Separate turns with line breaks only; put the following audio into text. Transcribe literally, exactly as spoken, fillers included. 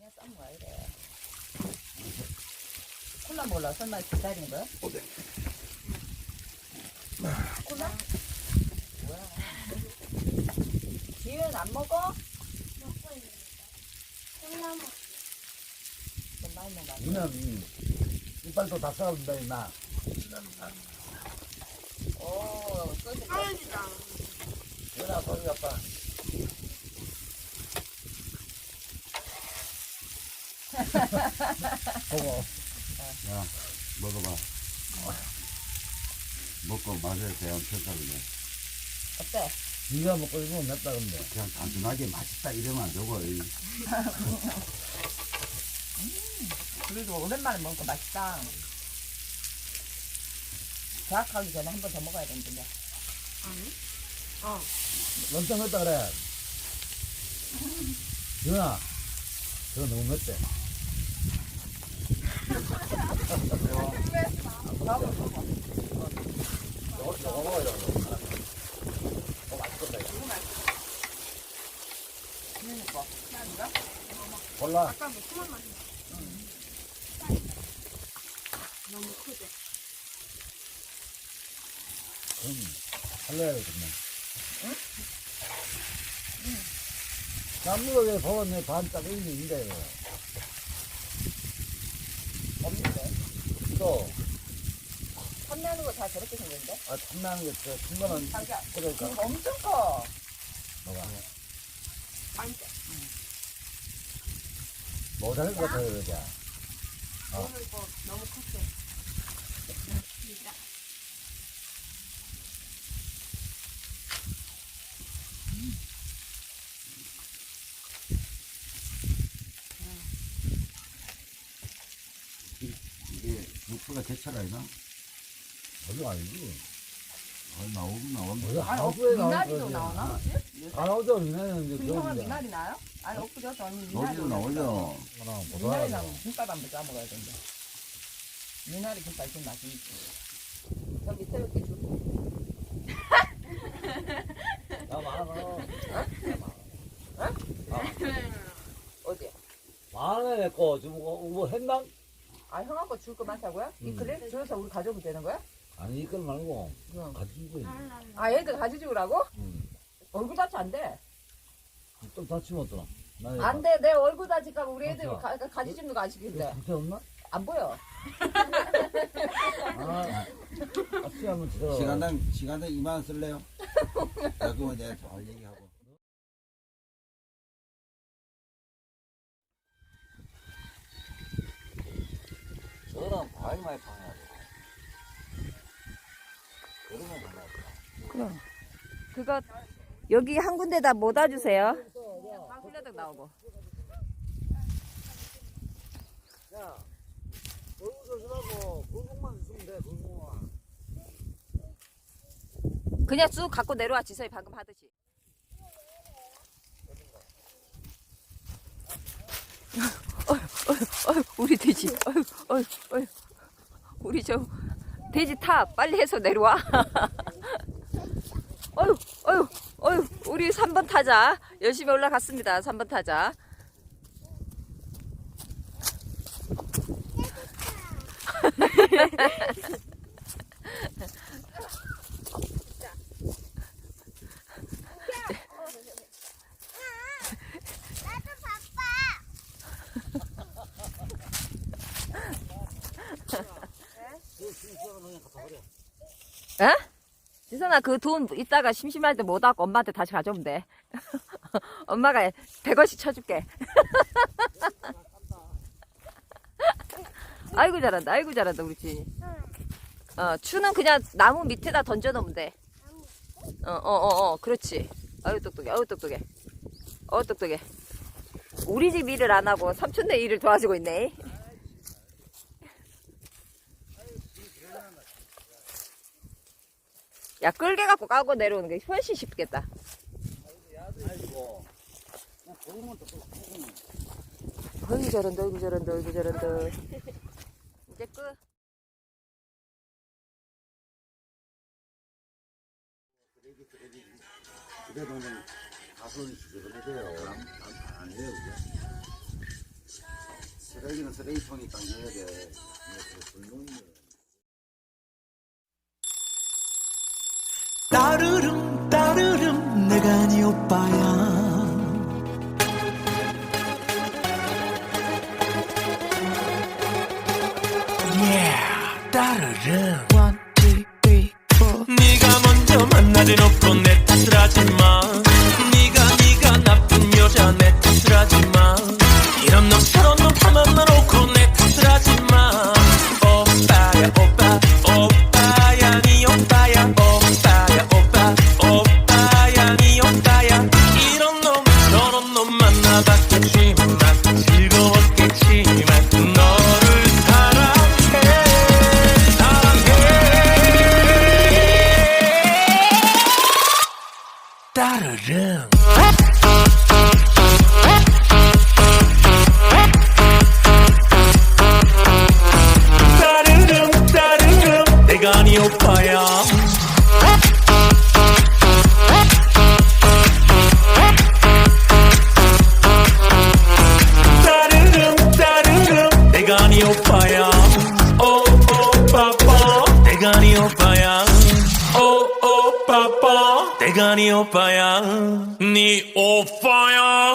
그냥 싼 거야 이래. 콜라 몰라 설마 기다리는 거야?
어때?
콜라? 뭐야? 지윤 안 먹어?
먹고 있는 거. 콜라 먹.
좀 많이 먹어.
누나는 이빨도 다 싸운다 임마.
오, 소주.
떨어지다.
누나 거기 아빠. 보고. 야 먹어봐. 먹고 맛에 대한 평가를 해.
어때?
네가 먹고 있으면 맵다 근데. 그냥 단순하게 맛있다 이러면 안 되고. 이.
그래도 오랜만에 먹으니까 맛있다. 계약하기 전에 한 번 더 먹어야 되는데.
아니? 어.
엄청 맵다 그래. 누나 저거 너무 맵대.
다음으로 먹어.
저거 저거 먹어야 돼. 어 맛있겠다 이거.
지윤이 거. 나니가?
골라.
아까 매콤한 맛이 나. 응. 너무 크지?
응. 살려야겠네.
응?
응. 나무가 왜 버렸네 반짝 있는데
없는데.
또
판매하는 거 다 저렇게 생겼는데?
아, 탐나는 게 저, 중간은
자기야.
그러니까
이거 엄청 커.
뭐가
완전.
못하는 것 같아요 그러자. 어.
오늘 이거 너무 컸어. 진짜.
이게 육수가 제철 아니나? 그거 아니지. 아, 나오긴 나오는데.
아니, 어,
하수에 나올
미나리도
거지.
나오나?
안 나오죠 미나리는 이제
김성은
그런데.
미나리 나요? 아니, 엊그제 언니 미나리.
너도 나오죠. 하나
미나리
보다.
나면 김밥 한번 싸 먹어야 된다. 미나리 김밥 좀 맛있지. 저기 새롭게 주고.
나 많아.
어디?
많아 내거 지금 뭐, 뭐 했나?
아, 형하고 줄 거 많다고요? 이
음.
그래? 줄여서 우리 가져오면 되는 거야?
아니 이걸 말고
응.
같이 주고.
아, 얘들 가져주라고?
응.
얼굴 다치 안 돼.
좀 다치면 어떠나? 나
안 돼. 내 얼굴 다칠까봐 우리 애들
맞아.
가, 가, 가지주는 거 아시겠는데.
상태 없나?
안 보여.
아, 같이 한번 들어.
시간당 시간당 이만 원 쓸래요? 나도 내가 잘 얘기하고.
저랑 과일 많이 파냐. 그러면 가나.
그럼. 그거 여기 한 군데다 모아 주세요. 훌려덕 나오고.
야, 얼굴 조심하고 굴곡만 있으면 돼. 굴곡만.
그냥 쑥 갖고 내려와 지서이 방금 하듯이. 어휴, 어휴, 어휴, 우리 돼지. 어휴, 어휴, 어휴. 우리 저 돼지 타 빨리 해서 내려와. 어휴, 어휴, 어휴. 우리 삼 번 타자 열심히 올라갔습니다. 삼 번 타자.
나도 바빠.
에? 지선아 그 돈 이따가 심심할 때 못 하고 엄마한테 다시 가져오면 돼. 엄마가 백 원씩 쳐줄게. 아이고 잘한다. 아이고 잘한다 우리 지인이. 어, 추는 그냥 나무 밑에다 던져 놓으면 돼. 어, 어, 어, 어, 그렇지. 아유 똑똑해. 아유 똑똑해. 어 똑똑해. 우리 집 일을 안 하고 삼촌네 일을 도와주고 있네. 야, 끌게 갖고 까고 내려오는 게 훨씬 쉽겠다. 어이구 저런다, 어이구 저런다, 어이구 저런다. 이제 끝.
그래 동생 가서 시켜도 돼요. 안 해요. 쓰레기는 쓰레기통에 딱 넣어야 돼.
따르릉 따르릉 내가 네 오빠야. Yeah, 따르릉. One, two, three, four. 네가 먼저 만나지 놓고 내 탓을 하지마. 네가 네가 나쁜 여자 내 탓을 하지마. 이런 놈 저런 놈 다 만나놓고 내 탓을 하지마. 오빠야 오빠 오빠야 네 오빠야 오빠야 오빠 오빠야 네 오빠야. 이런 놈 저런 놈 만나봤겠지만 즐거웠겠지만 너를 사랑해 사랑해. 따르릉. 따르릉 따르릉 내가 네 오빠야. 따르릉 따르릉 내가 네 오빠야. 오오빠빠 내가 네 오빠야. 오오빠빠 내가 네 오빠야. 네 오빠야.